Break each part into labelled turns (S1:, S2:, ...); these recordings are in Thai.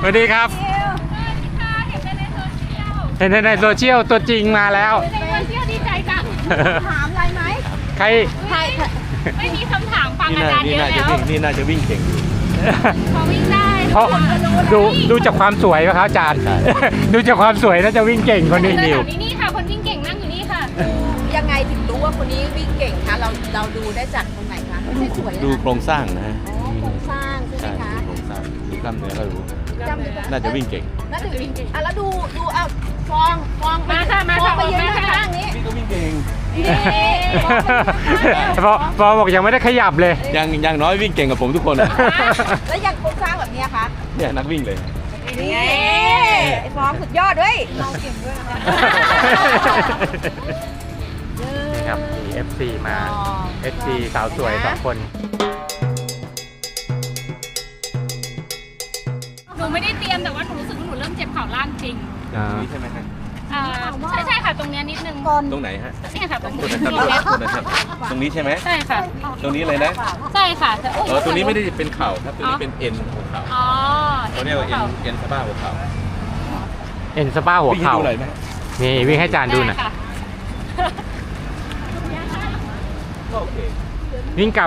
S1: สวัสดีครับเห็นในโซเชียลตัวจริงมาแล้ว
S2: ในโซเชียลดีใจจังถามอะไรไหม
S1: ใคร
S2: ไม่มีคำถามฟังอาจารย์เยอะแล้ว
S3: นี่น่าจะวิ่งเก่ง
S2: พอวิ่งได้
S1: เพราะดูจากความสวยป่ะครับอาจารย์ดูจากความสวยน่าจะวิ่งเก่งคนนี้นิว
S2: นี่ค่ะคนวิ่งเก่งนั่งอยู่นี่ค่ะ
S4: ยังไงถึงรู้ว่าคนนี้วิ่งเก่งคะเราดูได้จากตรงไหนคะไม่ใช่สวย
S3: ดูโครงสร้างนะฮะ
S4: โครงสร้างใช่ไหมคะ
S3: โครงสร้างดูกล้ามเนื้อก็รู้น่าจะวิ่งเก่ง
S4: น่าจะวิ่งเก่งแล้วดูเอาฟอง
S2: มาค่ะมาค่ะ
S4: ไปยืนข้างนี้
S3: นี่ก็วิ่งเก่ง
S1: พอบอกยังไม่ได้ขยับเลย
S3: ยังน้อยวิ่งเก่งกับผมทุกคนนะ
S4: แล้วยังโครงสร้างแบบนี้คะ
S3: เนี่ยนักวิ่งเลย
S4: นี่ไอ้ฟองสุดยอดด้วยเราเก่งด้วยนะคะ
S1: นี่ครับมี FC มา FC สาวสวย2 คน
S2: หนูไม่ได้เตรียมแต่ว่าหนูรู้สึกว่าหนูเริ่มเจ็บเข่าล่างจริง
S3: นี่ใช่ไหมฮะ
S2: ใช่ค่ะตรงนี้นิดนึง
S3: ตรงไหนฮะ
S2: นี่ค่ะตรงนี้
S3: ตรงนี้ใช่ไหม
S2: ใช่ค่ะ
S3: ตรงนี้เลยนะ
S2: ใช่ค่ะ
S3: ตรงนี้ไม่ได้เป็นเข่าครับตรงนี้เป็นเอ็นหัวเข่าเขาเรียกว่าเอ็นสะบ้าหัวเข่า
S1: เอ็นสะบ้าหัวเข่านี่วิ่งให้อาจารย์ดูหน่อยวิ่งกลับ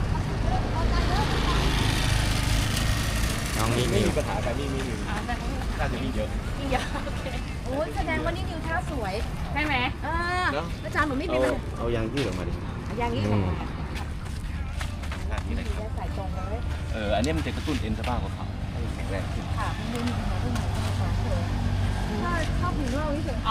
S1: น้องนี่
S3: ไม่มีปัญหาแต่นี่มีน่าจะมีเยอะ
S2: โอเค
S4: โอ้ยแสดงว่านี่นิวท่าสวย
S2: ใช่ไหม
S4: อาจารย์หนูไม่เป็น
S3: เอายางยืดออกมาดิ
S4: ยางยืดออกมา
S3: นี่นะครับ
S4: ใส่ตรงเลย
S3: อันนี้มันจะกระตุ้นเอ็นสะบ้าหัวเข่าให้แข็งแรงขึ้น
S4: ค่ะมันมีชอบผิวเราที่สุด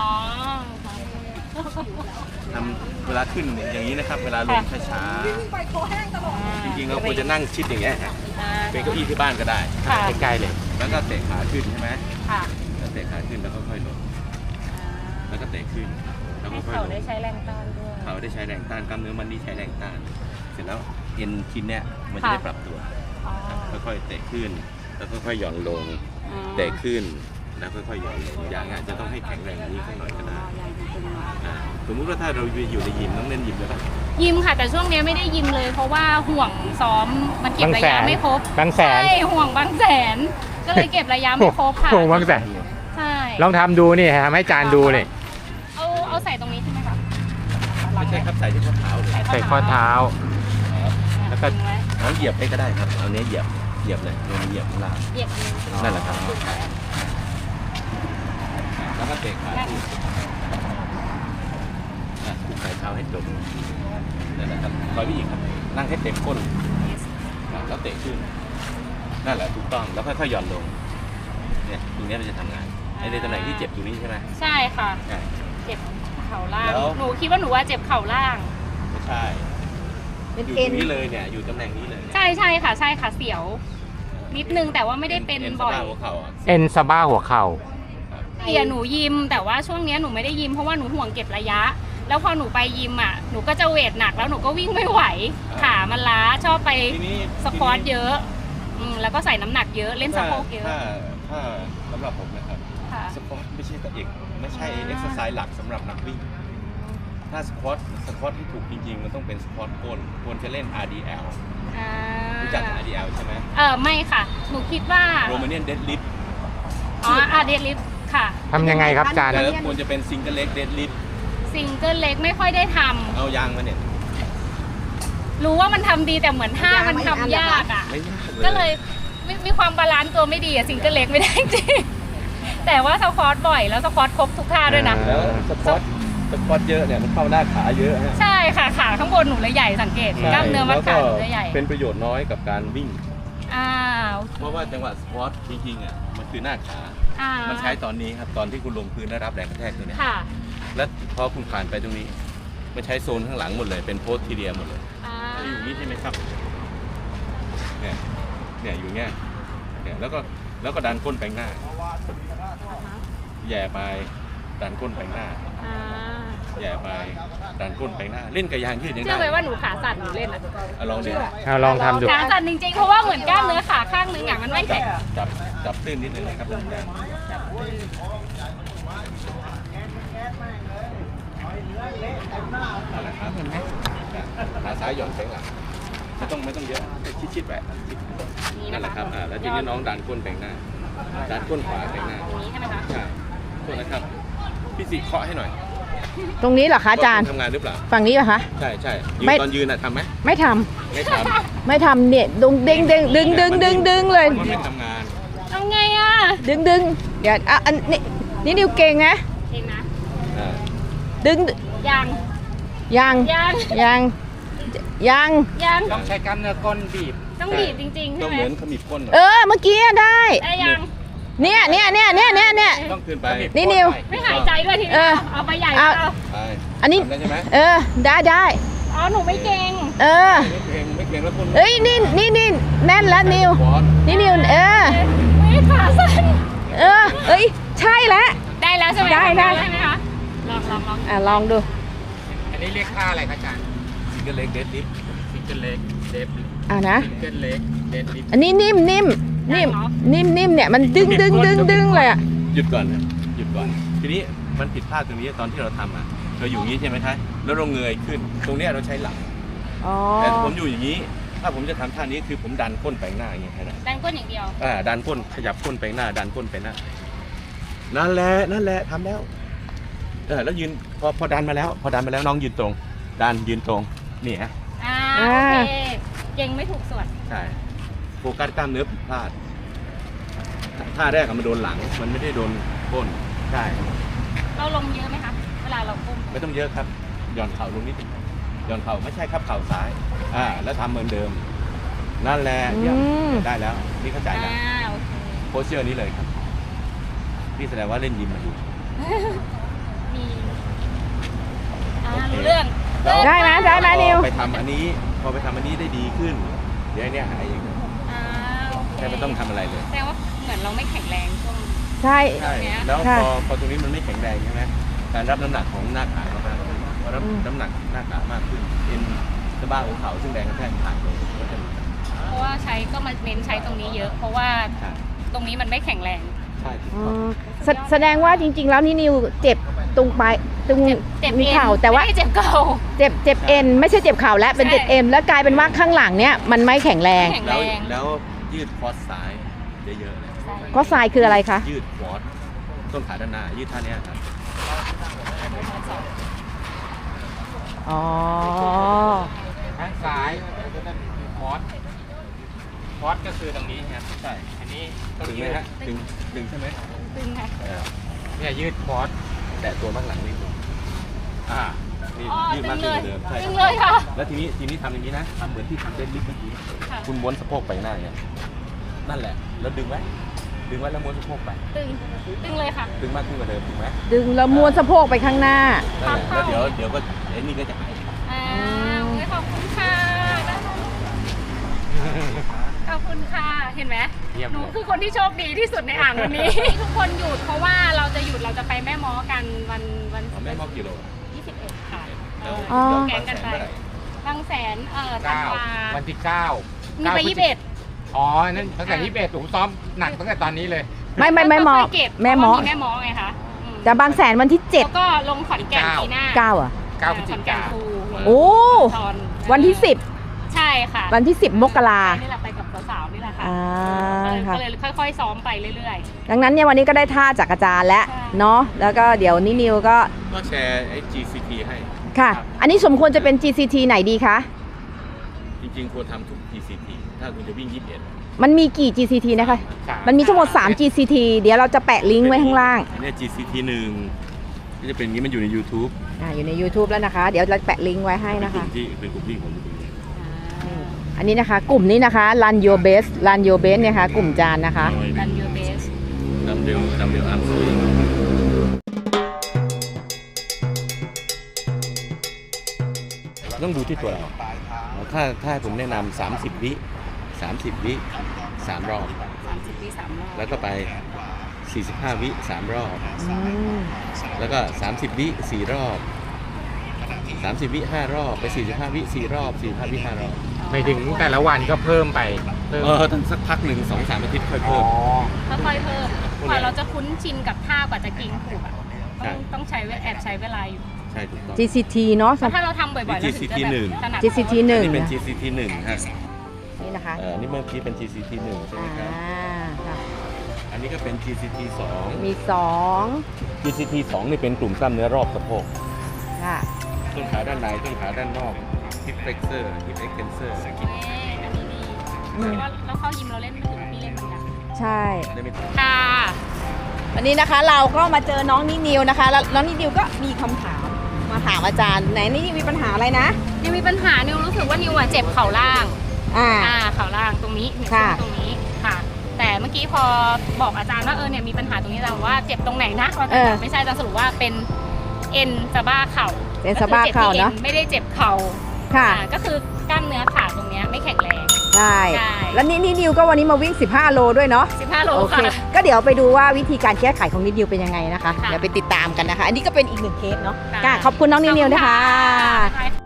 S3: ทำเวลาขึ้นอย่างนี้นะครับเวลาลงช้าๆจริงๆเราควรจะนั่งชิดอย่างเงี้ยเป็นเก้าอี้ที่บ้านก็ได้
S1: ใกล้ๆเลย
S3: แล้วก็เตะขาขึ้นใช่ไหม
S2: ค่ะ
S3: แล้วเตะขาขึ้นแล้วค่อยๆลงแล้วก็เตะขึ้นแล้วก็ค่อยๆลง
S2: เขาได้ใช้แรงต้านด้วย
S3: เขาได้ใช้แรงต้านกล้ามเนื้อมันนี่ใช้แรงต้านเสร็จแล้วเอ็นชิ้นเนี้ยมันจะได้ปรับตัวค่อยๆเตะขึ้นแล้วค่อยๆหย่อนลงเตะขึ้นแล้วค่อยๆหย่อนลงอย่างอาจจะต้องให้แข็งแรงนี้สักหน่อยก็ได้สมมุติว่าถ้าเราอยู่ในยิมต้องเล่นยิมด้วยป่ะ
S2: ยิมค่ะแต่ช่วงนี้ไม่ได้ยิมเลยเพราะว่าห่วงซ้อมมันเก็บระยะไม่ครบบ
S1: างแสน
S2: ใช่ห่วงบางแสนก็เลยเก็บระยะไม่ครบค่ะ
S1: ห่วงบางแสน
S2: ใช่
S1: ลองทำดูนี่ทำให้อาจารย์ดูนี่
S2: เอาใส่ตรงนี้ใช่ไหมคะ
S3: ไม่ใช่ครับใส่ที่ข้อเท้าเลย
S1: ใส่ข้อเท้า
S3: แล้วก็น้องเหยียบไปก็ได้ครับเอาเนี้ยเหยียบเลยลงเหยียบข้างล่างนั่นแหละครับแล้วก็เตะขาขึ้นผูกไขเท้าให้ตรงนั่นแหละครับคอยพี่อีกครับนั่งให้เต็มก้นแล้วเตะขึ้นนั่นแหละถูกต้องแล้วค่อยๆหย่อนลงเนี่ยตรงนี้มันจะทำงานในตำแหน่งที่เจ็บตรงนี้ใช่ไหม
S2: ใช่ค่ะเจ็บเข่าล่างหนูคิดว่าหนูว่าเจ็บเข่าล่าง
S3: ไม่ใช่อยู่ตรงนี้เลยเนี่ยอยู่ตำแหน่งนี้เลย
S2: ใช่ค่ะใช่ค่ะเสียวนิดนึงแต่ว่าไม่ได้เป็นบ่อย
S1: เอ็นสะบ้าหัวเข่า
S2: หนูยิมแต่ว่าช่วงนี้หนูไม่ได้ยิมเพราะว่าหนูห่วงเก็บระยะแล้วพอหนูไปยิมหนูก็จะเวทหนักแล้วหนูก็วิ่งไม่ไหวขามันล้าชอบไปสควอตเยอะแล้วก็ใส่น้ำหนักเยอะเล่นสะโพกเยอะ
S3: ถ้าสำหรับผมนะครับสควอตไม่ใช่ตัวเอกไม่ใช่เอ็กซ์ไซส์หลักสำหรับนักวิ่งถ้าสควอตที่ถูกจริงๆมันต้องเป็นสควอตก้นควรจะเล่น RDL รู้จัก RDL ใช่ไหม
S2: ไม่ค่ะหนูคิดว่า
S3: Romanian Deadlift
S2: Deadlift ค่ะ
S1: ทำยังไงครับอาจารย์
S3: แล้วควรจะเป็น Single Leg Deadlift
S2: Single Leg ไม่ค่อยได้ทำ
S3: เอายางมาเนี่ย
S2: รู้ว่ามันทำดีแต่เหมือนท่ามันทำยากก็เลยมีความบาลานซ์ตัวไม่ดีSingle Leg ไม่ได้จริงแต่ว่าสควอตบ่อยแล้วสควอตครบทุกท่าด้วยนะ
S3: แล้วสควอตเยอะเนี่ยมันเข้าหน้าขาเยอะ
S2: ใช่ค่ะขาข้างบนหนูเลยใหญ่สังเกตกล้ามเนื้อมัดขาหนูเลยใหญ่
S3: เป็นประโยชน์น้อยกับการวิ่งเพราะว่าจังหวะสควอตจริงๆมันคือหน้าขามันใช้ตอนนี้ครับตอนที่คุณลงพื้นได้รับแรงกระแทกตัวนี้แล้วพอคุณผ่านไปตรงนี้มันใช้โซนข้างหลังหมดเลยเป็นโพสทีเรียหมดเลยอยู่นี้ใช่ไหมครับเนี่ยอยู่เงี้ยแล้วก็ดันก้นไปหน้าแย่ไปดันก้นไปหน้าแย่ไปดันก้นไปหน้าเล่นกับยางยืดยังได้
S2: เชื่อไหมว่าหนูขาสั่นหนูเล่น
S3: ลองดู
S1: ลองทำดู
S2: ขาสั่นจริงๆเพราะว่าเหมือนกล้ามเนื้อขาข้างนึงมันไม่แข็ง
S3: จับตื้นนิดนึงนะครับเห็นไหมขาซ้ายหย่อนไปหลังไม่ต้องเยอะชิดๆไปนั่นแหละครับแล้วทีนี้น้องดันก้นไปหน้าดันก้นขวาไปหน้า
S2: ตรงนี้ใช่ไหมคะ
S3: ใช่โทษนะครับพี่สิเคาะให้หน่อย
S5: ตรงนี้เหรอคะอาจารย์
S3: ทำงานหรือเปล่า
S5: ฝั่งนี้เหรอคะ
S3: ใช่ใช่ยืน
S5: ไม่
S3: ตอนยืนน่ะทำไหม
S5: ไม่ทำ
S3: ไม่ทำ
S5: ไม่ทำเนี่ยดึงเลย
S3: มันไม่ทำงาน
S2: เอาไงอ่ะ
S5: ดึงเดี๋ยวอ่ะอันนี้นี่นิวเก่งนะ
S2: เองนะ
S3: อ่า
S5: ดึง
S2: ยัง
S5: ยัง
S2: ยัง
S5: ยังยัง
S2: ยัง
S1: ต้องใช้กล้ามเนื้อก้นบีบ
S2: ต้องบีบจริงๆ
S3: ก็
S2: ใช่ไหม
S3: เหมือนขมิบก้นหน่อย
S5: เมื่อกี้อะได้
S2: ได้ยัง
S5: เนี่ย
S3: ต้องขึ้นไป
S5: นี่นิว
S2: ไม่หายใจด้วยที
S5: เอ
S2: นี้
S5: อ
S2: เอาไปใหญ่
S5: เอา
S2: เอา
S3: ไป
S5: อันนี้
S3: ทำได้ใช่ไหม
S5: ได้
S2: อ๋อหนูไม่เก่ง
S3: ไม่เกรงแล้วก้น
S5: เอ้ยนี่แน่นแล้วนิว
S3: บอส
S5: นี่นิว
S2: ไม่ขาสั้น
S5: เอ้ยใช่แล้ว
S2: ได้แล้วใช่ไหม
S5: ได้
S2: ได้ไหมคะลอง
S5: ลองดู
S1: อันนี้เรียกท่าอะไรครับอาจารย์
S3: ซิงเกิลเล็กเดดลิฟ
S1: ซิงเกิลเล็กเดฟลิฟ
S5: นะ
S1: ซิงเกิลเล็กเดฟลิฟ
S5: อันนี้นิ่มเนี่ยมันดึงเลยอ่ะ
S3: หยุดก่อนนะหยุดก่อน ทีนี้มันผิดพลาดตรงนี้ตอนที่เราทำอ่ะเราอยู่อย่างนี้ใช่ไหมคะแล้วเราเงยขึ้น ตรงเนี้ยเราใช้หลัง
S5: อ๋อ
S3: แต่ผมอยู่อย่างนี้ ถ้าผมจะทำท่านี้คือผมดันก้นไปข้างหน้าอย่างเงี้ยแค่นั้น
S2: ดันก้นอย่างเดียว
S3: ดันก้นขยับก้นไปข้างหน้า ดันก้นไปหน้า นั่นแหละทำแล้วแล้วยืนพอดันมาแล้วน้องยืนตรง ยืนตรงนี่ฮะ
S2: โอเคเก่งไม่ถูกส่วน
S3: ใช่โฟกัสกล้ามเนื้อผิดพลาดท่าแรกมันโดนหลังมันไม่ได้โดนก้นใช่
S2: เราลงเยอะไหมคะเวลาเราก้ม
S3: ไม่ต้องเยอะครับหย่อนเข่าลงนิดนึงหย่อนเข่าไม่ใช่ครับเข่าซ้ายแล้วทำเหมือนเดิม นั่นแหละเยี่ยมได้แล้วนี่เข้าใจแล้ว
S2: โอเค
S3: โพสเชอร์นี้เลยครับนี่แสดงว่าเล่นยิมมาอยู่
S2: มีรู้เรื่อง
S5: ได้ไหมนิว
S3: ไปทำอันนี้พอไปทำอันนี้ได้ดีขึ้นเดี๋ยวไอ้เนี่ยหายเอง
S2: โอเค
S3: แค่ไม่ต้องทำอะไรเลย
S2: แสดงว่าเหมือนเราไม่แข็งแรงช่วง
S5: ใช่
S3: ใช่แล้วพอตรงนี้มันไม่แข็งแรงใช่ไหมการรับน้ำหนักของหน้าขาเรามากขึ้นพอรับน้ำหนักหน้าขามากขึ้นเอ็นสะบ้าหัวเข่าซึ่งแรงกระแทกขาดลงก็จะ
S2: เพราะว่าใช้ก็มาเน้นใช้ตรงนี้เยอะ เพราะว่าตรงนี้มันไม่แข็งแรง
S3: ใช่
S5: แสดงว่าจริงๆแล้วนี่นิวเจ็บตรงปลายตรง
S2: เจ็บ
S5: มี
S2: เอ็น
S5: เข่าแต่ว่า
S2: ไม่ได้เจ็บเข่า
S5: เจ็บเอ็นไม่ใช่เจ็บเข่าแล้วเป็นเจ็บเอ็นแล้วกลายเป็นว่าข้างหลังเนี่ยมันไม่แข็งแรง
S2: แข็ง
S3: แล้วยืดคอร์สซ้ายเยอะๆเลย
S5: ก็ทรายคืออะไรคะ
S3: ยืดคอร์สต้นขาด้านหน้ายืดท่านี้ครับ
S5: อ๋อ
S1: ข้างซ้ายคอร์สก็คือตรงนี้ครับใช่อันนี้ต้อง
S3: ถึงไหม
S1: ยืด
S3: ฮะดึงใช่ไหม
S2: ตึงค่ะ
S1: เนี่ยยืดคอร์ส
S3: แตะตัวบ้างหลังนิดนึงนี่
S2: อ๋อ
S3: ยืด
S2: ตึ
S3: มาก
S2: ง
S3: ขึ้
S2: เล
S3: น
S2: ย
S3: กว่าเดิมใช่
S2: ตึงเลยค่ะ
S3: แล้วทีนี้ทำอย่างนี้นะทำเหมือนที่ทำเดนลิฟต์เมื่อกี้
S2: ค่ะ
S3: คุณม้วนสะโพกไปหน้าอย่างเงี้ยนั่นแหละแล้วดึงไว้แล้วม้วนสะโพกไป
S2: ตึงเลยค่ะ
S3: ดึงมากขึ้นกว่าเดิมถูกไหม
S5: ดึงแล้วม้วนสะโพกไปข้างหน้า
S3: นั่นแหละแล้วเดี๋ยวก็ไอ้นี่ก็จะหาย
S2: ขอบคุณค่ะขอบคุณค่ะ เห็นไหม
S1: เยี่ยม
S2: หนู
S1: เลย
S2: คือคนที่โชคดีที่สุดในอ่างวันนี้ ทุกคนหยุดเพราะว่าเราจะไปแม่ม้อกันวัน
S3: เอาแม่มอบกิโล
S2: 21 ค่ะ
S3: แล้ว
S5: อ๋อ
S2: แกงกันไป บางแสนธัน
S1: เก้าว
S2: า
S1: วันที่ 9
S2: มีไป21
S1: อ๋อนั่นตั้งแต่21ผมซ้อมหนักตั้งแต่ตอนนี้เลย
S5: ไม่หมอ
S2: แม่ม้อ
S5: แม่หมอ
S2: แม่ม้อไงคะ
S5: แต่บางแสนวันที่
S2: แล้วก็ลงขอนแก่นปีหน้า
S5: 7 9อ่ะ
S1: 9พฤศจิกา
S2: ขอนแนครู
S5: โอ้
S2: ตอน
S5: วันที่
S2: ใช่ค่ะ
S5: 10วันที่10มกรา
S2: นี่แหละไปกับสาวๆนี่แหละค่ะ
S5: ค่ะ
S2: ก็เลยค่อยๆซ้อมไปเรื่อย
S5: ดังนั้นเนี่ยวันนี้ก็ได้ท่าจากอาจารย์แล้ว
S2: ใช่
S5: เนาะแล้วก็เดี๋ยวนินิวก็
S3: ก็แชร์ไอ้ GCT ให้
S5: ค่ะ อันนี้สมควรจะเป็น GCT ไหนดีคะ
S3: จริงๆควรทำทุก GCT ถ้าคุณจะวิ่ง 21
S5: มันมีกี่ GCT นะคะ มันมีทั้งหมด3 GCT เดี๋ยวเราจะแปะลิงก์ไว้ข้างล่าง
S3: อันนี้ GCT 1ที่จะเป็นอย่างนี้มันอยู่ใน YouTube
S5: อยู่ใน YouTube แล้วนะคะ เดี๋ยวเราแปะลิงก์ไว้ให้นะคะ
S3: เป็นกลุ่มที่ผมอยู่ตรงนี้
S5: อันนี้นะคะ กลุ่มนี้นะคะ Run Your Best Run Your Best เนี่ยค่ะกลุ่มจานนะคะ
S2: ๆ Run your best
S3: ดัมเบลอาร์มสวิงต้องดูที่ตัวเราถ้าให้ผมแนะนำ30 วิ3 รอบ
S2: 30 ปี 3 รอบ
S3: แล้วก็ไป 45 วิ3 รอบ แล้วก็30 วิ4 รอบ 30 วิ5 รอบไป45 วิ4 รอบ45 วิ5 รอบ
S1: ไม่ถึงแต่ละวันก็เพิ่มไปเพิ่ม
S3: ต้องสักพักหนึ่ง2-3 อาทิตย์ค่อยเพิ่ม
S2: ค่อยๆเพิ่มกว่าเราจะคุ้นชินกับท่ากว่าจะกินถูกอะ
S3: ใช่
S2: ต้องใช้เวลาอยู่
S3: ใช่ถูกต้อง
S5: GCT เนาะ
S2: ถ้าเราทำบ่อยๆเราถึงจะ
S3: GCT
S2: แบบถนัด
S5: GCT
S3: อัน
S5: 1
S3: นี้เป็น
S5: นะ
S3: GCT 1ฮะ
S5: นี่นะคะ
S3: นี่เมื่อกี้เป็น GCT 1ใช่ไหมครับ
S5: ค่ะ
S3: อันนี้ก็เป็น GCT 2
S5: มีสอง
S3: GCT 2นี่เป็นกลุ่มกล้ามเนื้อรอบสะโพก
S5: ค่ะ
S3: ต้นขาด้านในต้นขาด้านนอก hip flexor hip extensor
S2: อันนี้ดีแล้วเข้ายิมเราเล่นไม่ถึงพี่เล่นเหมือนกัน
S5: ใช่
S3: ได้ไม่
S2: ค่ะ
S5: วันนี้นะคะเราก็มาเจอน้องนินิวนะคะแล้วน้องนินิวก็มีคำถามมาถามอาจารย์ไหนนี่มีปัญหาอะไรนะ
S2: ยังมีปัญหานิวรู้สึกว่านิวอะเจ็บเข่าล่าง เข่าล่างตรงนี้เนี่ย
S5: ค่ะ
S2: ตรงนี้ค่ะ แต่เมื่อกี้พอบอกอาจารย์ว่าเนี่ยมีปัญหาตรงนี้แต่ว่าเจ็บตรงไหนนะอาจารย์บอกไม่ใช่อาจารย์สรุปว่าเป็นเอ็นสะบ้าเข่า
S5: เอ็นสะบ้าเข่าเนาะ
S2: ไม่ได้เจ็บเข่า
S5: ค่ะ
S2: ก็คือกล้ามเนื้อขาตรงเนี้ยไม่แข็งแรง
S5: ใช่
S2: ใช่
S5: แล้วนี่นิวก็วันนี้มาวิ่ง 15 โลด้วยเนาะ
S2: 15 โล
S5: โอเค
S2: ค่ะ
S5: ก็เดี๋ยวไปดูว่าวิธีการแก้ไขของนินิวเป็นยังไงนะคะ
S2: ค่ะ
S5: เดี๋ยวไปติดตามกันนะคะ อันนี้ก็เป็นอีกหนึ่งเคสเนาะ
S2: ค่ะ
S5: ค่ะขอบคุณน้องนินิวนะคะ
S2: ขอบคุณค่ะ